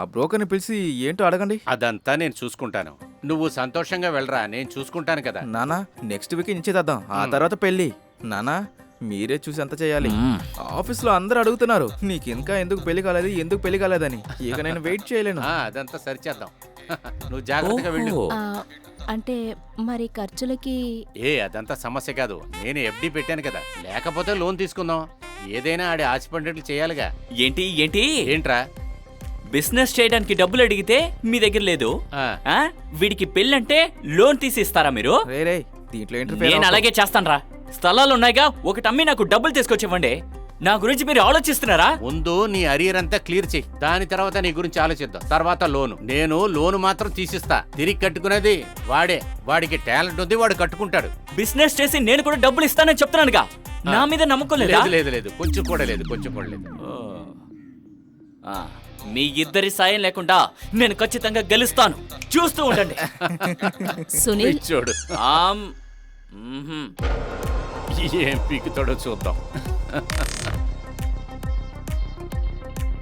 ఆ బ్రోకర్ని పిలిచి ఏంటో అడగండి. అదంతా నేను చూసుకుంటాను. నువ్వు సంతోషంగా వెళ్ళరా, నేను చూసుకుంటాను కదా. నానా నెక్స్ట్ వీక్ నిశ్చితార్థం, ఆ తర్వాత పెళ్ళి. నానా మీరే చూసి ఎంత చేయాలి. ఆఫీస్లో అందరూ అడుగుతున్నారు నీకు ఇంకా ఎందుకు పెళ్లి కాలేదు, ఎందుకు పెళ్లి కాలేదని. ఇక నేను వెయిట్ చేయలేను. అదంతా సరిచేద్దాం. నువ్వు జాగ్రత్తగా వెళ్ళు. అంటే మరి ఖర్చులకి? అదంతా సమస్య కాదు. నేను ఎఫ్డి పెట్టాను కదా, లేకపోతే లోన్ తీసుకుందాం. ఏదైనా ఆడి ఆశపడినట్లు చేయాలిగా. ఏంటి ఏంటి ఏంట్రా? బిజినెస్ చేయడానికి డబ్బులు అడిగితే మీ దగ్గర లేదు. వీడికి పెళ్ళంటే లోన్ తీసి ఇస్తారా మీరు? రే దీంట్లో నేను అలాగే చేస్తాను రా. స్థలాలు ఉన్నాయిగా, ఒకటి అమ్మి నాకు డబ్బులు తీసుకొచ్చివ్వండి. నా గురించి మీరు ఆలోచిస్తున్నారా? ముందు నీ అరియర్ అంతా క్లియర్ చెయ్యి, దాని తర్వాత నీ గురించి ఆలోచిద్దాం. తర్వాత లోను. నేను లోను మాత్రం తీసిస్తా, తిరిగి కట్టుకునేది వాడే. వాడికి టాలెంట్ ఉంది, వాడు కట్టుకుంటాడు. బిజినెస్ చేసి నేను కూడా డబ్బులు ఇస్తానని చెప్తున్నానుగా. నా మీద నమ్మకం లేదా? లేదు కొంచెం కూడా లేదు. మీ ఇద్దరి సాయం లేకుండా నేను ఖచ్చితంగా గెలుస్తాను. చూస్తూ ఉండండి. సునీల్ చూడు ఆమ్ ఏం పీకుతాడో చూద్దాం.